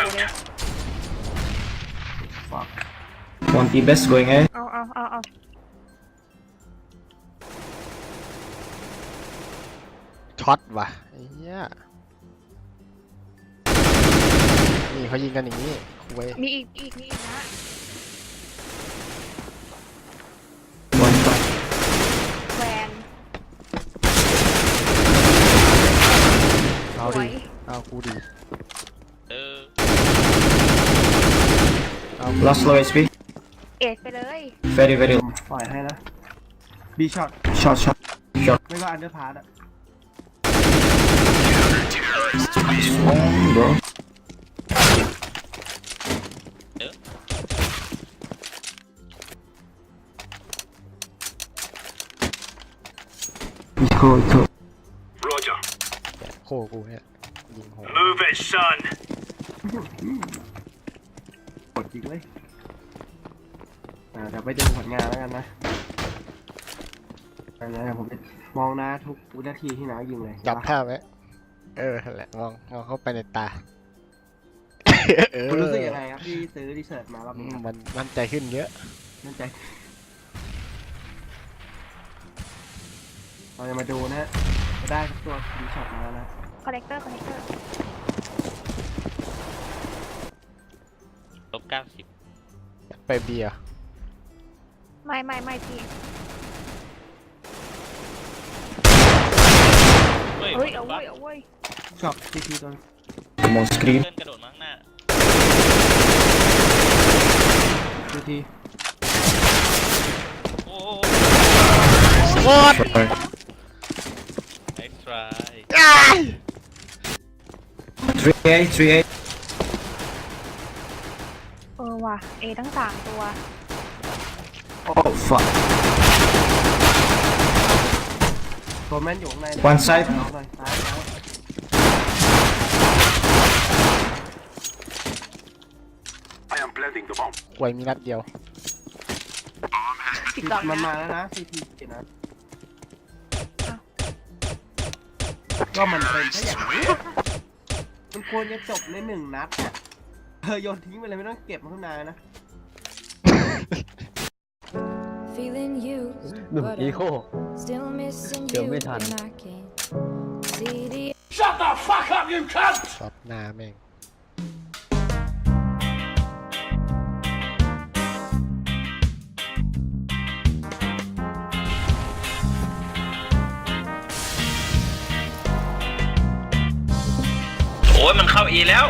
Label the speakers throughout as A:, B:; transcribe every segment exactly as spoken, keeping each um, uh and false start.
A: เลย
B: Fuck. One T best going A.
A: เอาเอาเอาเอา
C: ช็อตว่ะไอ้เหี้ยนี่เขายิงกันอย่างนี้คุย
A: มีอีกอีกมีอีกนะ
B: One shot.
A: แวน
C: เอา
A: สว
C: ดิ
A: ย
C: เอากูดิ
D: เออ
C: เอา
B: Last low H P.
A: เอ็ดไปเลย
B: Very very.
E: ปล่อยให้นะบีช็อต
B: Shot shot. Shot.
E: ไม่ก็อันเดอร์พาร์ตอะ
B: Strong bro. Eco eco.
F: Roger.
C: โคกูเนี่ยยิงโห
F: Move it, son.
E: กดจริงเลยอ่าเดี๋ยวไปดูผลงานแล้วกันนะอันนี้นผมจะมองหน้าทุกวินาทีที่น้ายิงเลย
C: จับภาพไว้เออนั่นแหละมองมองเข้าไปในตาเออ
E: คุณรู้สึกยังไงครับที่ซื้อรีเสิร์ชมารอบ
C: อื
E: นี้
C: มมันมั่นใจขึ้นเยอะ
E: มั่นใจเราจะมาดูนะฮะจะได้สักตัวบีช็อตมาแล้วนะ
A: คอนเนคเตอร์คอนเนคเตอร์
D: ลบเก้าสิบ
C: ไปเบียร์
A: ไม่ไม่ไม่พี่
D: เฮ้ย
A: เฮ้ยเอา
D: บั
A: เว้
D: ฟ
A: ยเอาเว้ย
E: ช็อตทีทีตัว
B: I'm on screen.
D: เพื่อนกระโดดมาข้างหน้า
E: ทีที
D: โอ้
C: What?
B: Sure.
D: nice try
B: Three A three A.
A: เออว่ะเอทั้งสามตัว
B: Oh fuck.
E: ตัวแม่นอยู่ข้างใน
B: One side
E: เอาหน่อยซ้ายแล้ว
F: I am planting the bomb.
C: ควยมีนัดเดียว
A: สิบสอง
E: มัน
A: นะ
E: มาแล้วนะทีทีนะก็มันเป็นแค่อย่างนี้มันควรจะจบในหนึ่งนัดอะเธอโยนทิ้งไปเลยไม่ต้องเก็บมาข้างในนะ
G: Feeling used,
H: หนุ่ม
G: but
H: อี
G: I'm
H: โค
G: still missing
H: Chưa
G: you,
H: biết thành.
G: and I can't see the
F: Shut the fuck up, you cunt!
C: ช็อตหน้าแม่ง
D: โอ้ยมันเข้าอีแล้ว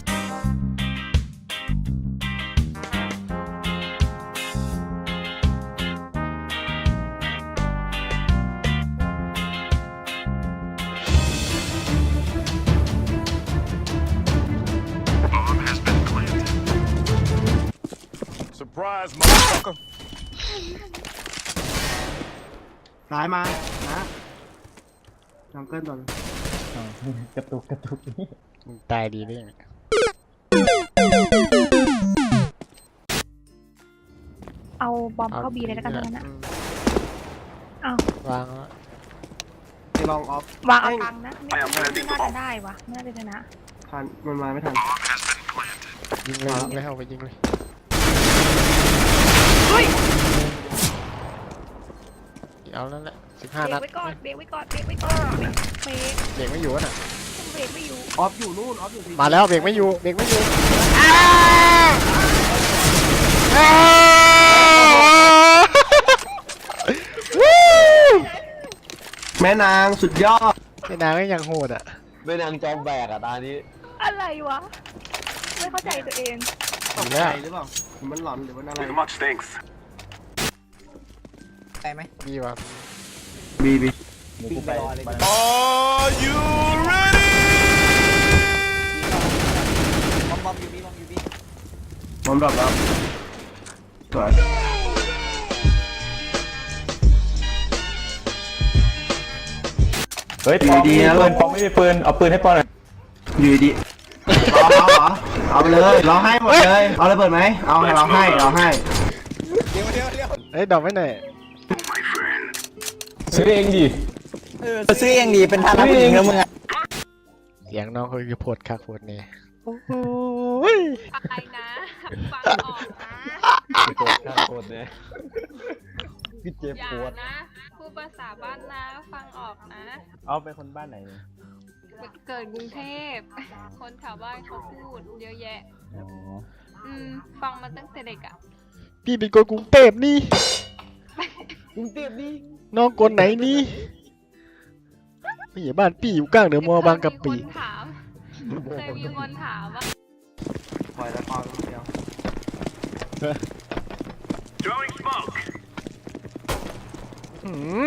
F: Surprise, motherfucker.
E: ซ้ายมานะจังเกิลตัวนึง
H: กระตุกกระตุกนี่
C: มึงตายดีได้ยังไง
A: เอาบอมเข้าบีเลยแล้วกันทั้งนั้นนะเอา
C: วางแล้ว
E: ไปลองออฟ
A: วางเอาตังค์นะไม่ไม่น่าจะได้วะไม่น่าจะชนะ
E: ทันมันมาไม่ทัน
C: ยิงเลยยิงเลยเอาไปยิงเลย
A: เฮ้ย
C: เอาแล้วแหละสิบ
A: เบ
C: ห้าร นั
A: ก
C: ด
A: ไว้ก่อนเบรกไว้ก่อนเบรกไว้ก่อนเบรก
C: เบรกไม่อยู่น่ะ
A: เบรกไม่อยู่
E: ออฟอยู่นู่นออฟอยู่ที
C: มาแล้วเบรกไม่อยู่เบรกไม่อยู่
E: แม่นางสุดยอด
C: ไอ้นางก็ยังโหดอ่ะ
H: เป็นนางจอมแบกอ่ะตานี้
A: อะไรวะไม่เข้าใจตัวเอง
E: ตกใจหรือเปล่าหรือมันหลอนหรือมันอะไร
F: Too much thanks.
C: ดีว่ะ
E: บีบี
H: หมูกูไปไป
F: Are you ready?
E: ผมดรอปแล้วสวย
H: เฮ้ยปอมไม่มีปืนปอมไม่มีปืนเอาปืนให้ปอมหน่อย
E: อยู่ดีเอาเอาเหรอเอาไปเลยเราให้หมดเลยเอาเลยเปิดไหมเอาเราให้เราให้
C: เฮ้ยดอกไว้หน่อย
F: My friend.
H: ซื้อเองดิ
I: ซื้อเองดีเป็นท่านักผู้หญิงแล้วมึงอะ
C: เสียงน้องเขาคือโพดคักโพดเนี่ยโอ้โห
H: พี่เจ็บ
J: อย่า
H: ปวด
J: นะพูดภาษาบ้านนะฟังออกนะ
H: เอาเป็นคนบ้านไหนเนี่ย
J: เกิดกรุงเทพ คนแถวบ้านเขาพูดเยอะแยะ
H: อ๋อ
J: อืม ฟังมาตั้งแต่เด็กอ่ะ
C: พี่เป็นคนกรุงเทพนี่
H: กรุงเทพนี่
C: น้องคนไหนนี่พี่บ้านพี่อยู่กลางเดอะมอลล์บางกะปิ
J: เคยมีคนถามเคยมีคนถามว่า
E: ปล่อยแล้วพอเดียว
F: Throwing smoke.
C: หืม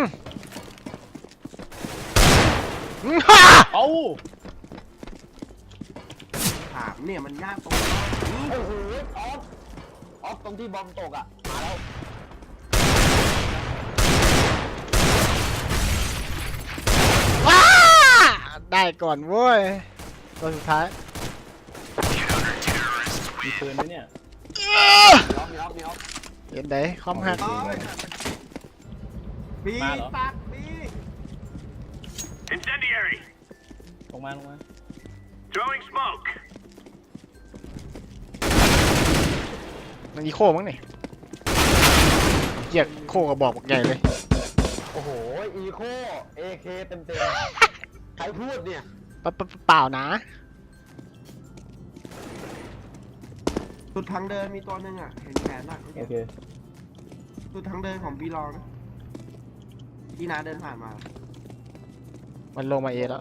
C: หืมฮ่า
H: เอ้า
E: ถามเนี่ยมันยากตรงนี้
H: โอ้โหออฟออฟตรงที่บอมตกอ่ะมาแล้ว
C: ว้าได้ก่อนเว้ยตัวสุดท้าย
H: มีปืนไหมเนี่ย
C: เอ้อ
H: มีออฟมีออฟมีออฟ
C: เห็นไหนคอมหัก
E: บี
H: มาเหรอ
E: ปักบี
F: Incendiary.
H: ลงมาลงมา
F: Throwing smoke.
C: มันอีโคมั้งนี่เกียกโคกระบอกบักใหญ่เลย
H: โอ้โหอีโคเอเคเต็มเต็มใครพูดเนี่ย
C: ปะปะเปล่านะ
E: สุดทางเดินมีตัวหนึ่งอ่ะ เห็นแขนอ่ะ
H: โอเค
E: สุดทางเดินของบีลองนะที่นาเดินผ่านมา
C: มันลงมาเอแล้ว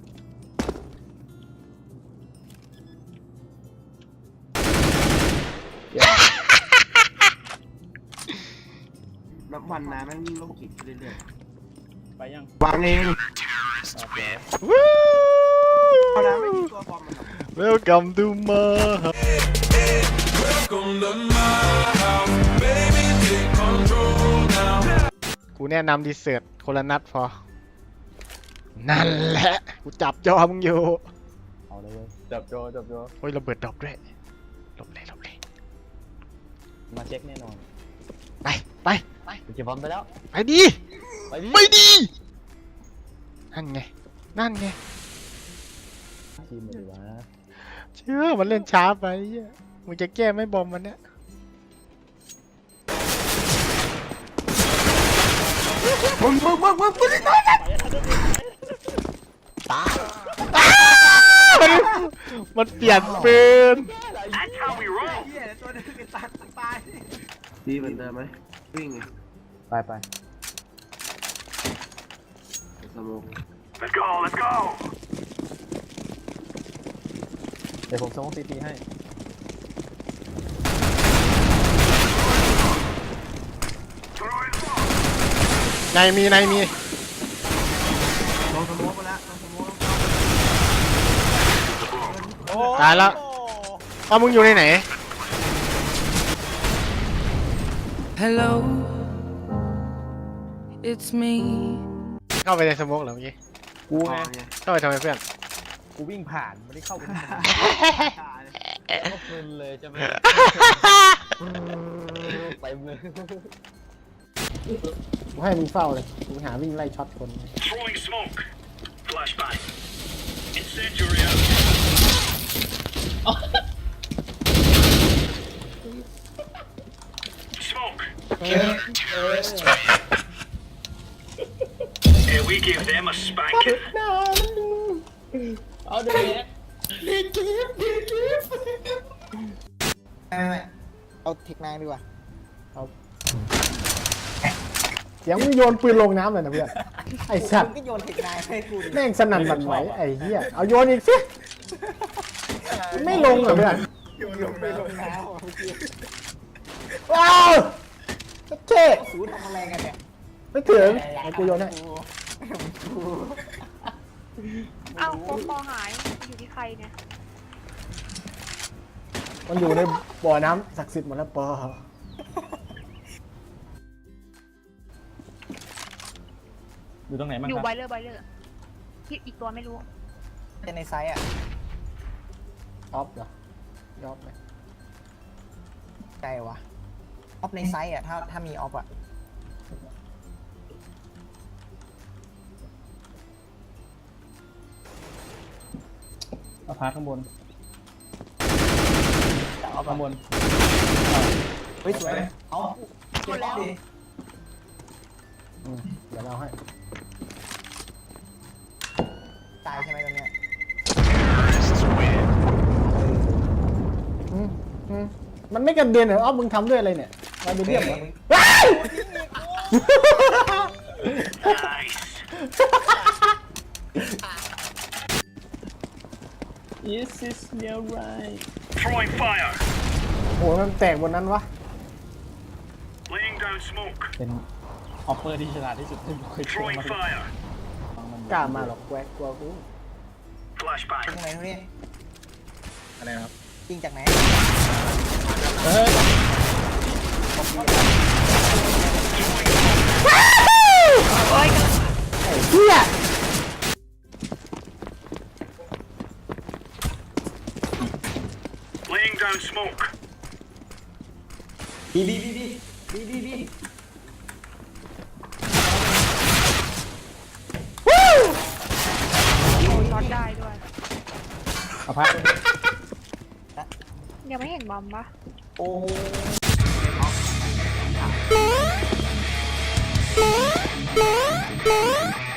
E: นับวันนาแม่งยิ่งโลกจิตเรื่อย
H: ไปยัง
E: ๆวางเอง
H: โอเค
C: วู้
E: เอานะไม่มีตัวบอมมันหรอก
C: Welcome to my house กูแนะนำดีเซิร์ตคนละนัดพอ นั่นแหละ กูจับจอมึงอยู่
H: เอาเลยเว้ยจับโจจับโจ
C: โอ้ยระเบิดดรอปด้วยหลบเลยหลบเลย
H: มาเช็คแน่นอน
C: ไปไป
H: ไปเก็บบอลไปแล้ว
C: ไปดี
H: ไปดิ
C: ไม่ดี นั่นไง นั่นไง
H: ทีมเลยวะ
C: เชื่อมันเล่นช้าไปเหี้ยมึงจะแก้ไม่บอมมันเนี่ย
E: มึงมึงมึงมึงมึง
C: ตามันเปลี่ยนปืน
F: That's how we roll.
E: เหี้ยตัวนึงไอ้ตัดตายดีเหมือนเดิมไหมวิ่งไง
H: ไปไป
E: สโมก
F: Let's go. Let's go.
H: เดี๋ยวผมส่งซีทีให้
F: Throwing smoke.
C: ในมีในมี
E: ลงสโมกไปแล้วลงสโมก
C: ตายแล้วเอามึงอยู่ในไหน
G: Hello, it's me.
C: เข้าไปในสโมกเหรอเมื่อกี้
H: กู
E: พอ
H: ไง
E: ไง
C: เข้าไปทำไมเพื่อน
H: กูวิ่งผ่านไม่ได้เข้าไปในสนามก็เพลินเลยใช่ไหมไปเลย
C: กูให้มึงเฝ้าเลยกูหาวิ่งไล่ช็อตคน
F: Throwing smoke. Flashbang. Incendiary out. Smoke. Yeah, we give them a spanking.
H: เอาเดี๋ยวนี้
I: เอาเทคนายดีกว่า
K: เสียงมึงโยนปืนลงน้ำเลยนะเพื่อน ไอ้สัต
I: มึ
K: ว์
I: งก็โยนเทคนายให้กูดิ
K: แม่งสนั่นหวั่นไหวไอ้เหี้ย เอาโยนอีกสิไม่ลงเหรอเพื่อน
I: โยนลงไปลงน้ำอ่ะเมื่อกี้
K: ว้าวเท่
I: สูทำอะไรกันเนี่ย
K: ไม่ถึงไอ้กูโยนให้
A: เอ้าโคปอหายอยู่ที่ใครเนี่ย
K: มันอยู่ในบ่อน้ำศักดิ์สิทธิ์หมดแล้วปอ
H: อยู่ตรงไหนบ้าง
A: อ
H: ค
A: ยู่
H: รับ
A: ไบเลอร์ไบเลอร์ที่อีกตัวไม่รู้
I: จะในไซส์อ่ะ
K: ออฟเหรอยอฟไหม
I: ใจวะออฟในไซส์อ่ะถ้าถ้ามีออฟอ่ะ
H: เอาพาข้างบน
I: แต่ออฟ
H: ข้างบน
I: เฮ้ยสวยเอาหมดแล้ว
K: อืมเดี๋ยวเราให้
I: ตายใช่ไหมตรงเนี้ย
K: อืมอืมมันไม่กระเด็นเหรออ้อมมึงทำด้วยอะไรเนี่ยไวเบเดียมเหรอว้าย
F: Nice.
H: Yes is your right
F: Throwing fire.
K: โหมันแตกบนนั้นวะ
F: Laying down smoke.
H: เป็นออฟเฟอร์ที่ฉลาดที่สุดที่ผมเคยเจอ
F: Throwing
H: มา
F: fire.
K: กล้ามาหรอกแกวกกลัวกู
F: Flashbang.
I: ตรงไหนตรงนี้
C: อะไรครับ
I: ยิงจากไหน
A: โอ้ย
K: เฮีย
F: Laying down smoke.
H: บีบีบีบีบีบีบี
A: โอ้ช็อตได้ด้วย
H: เอาพัก
A: ยังไม่เห็นบอมปะ
H: โอ้โห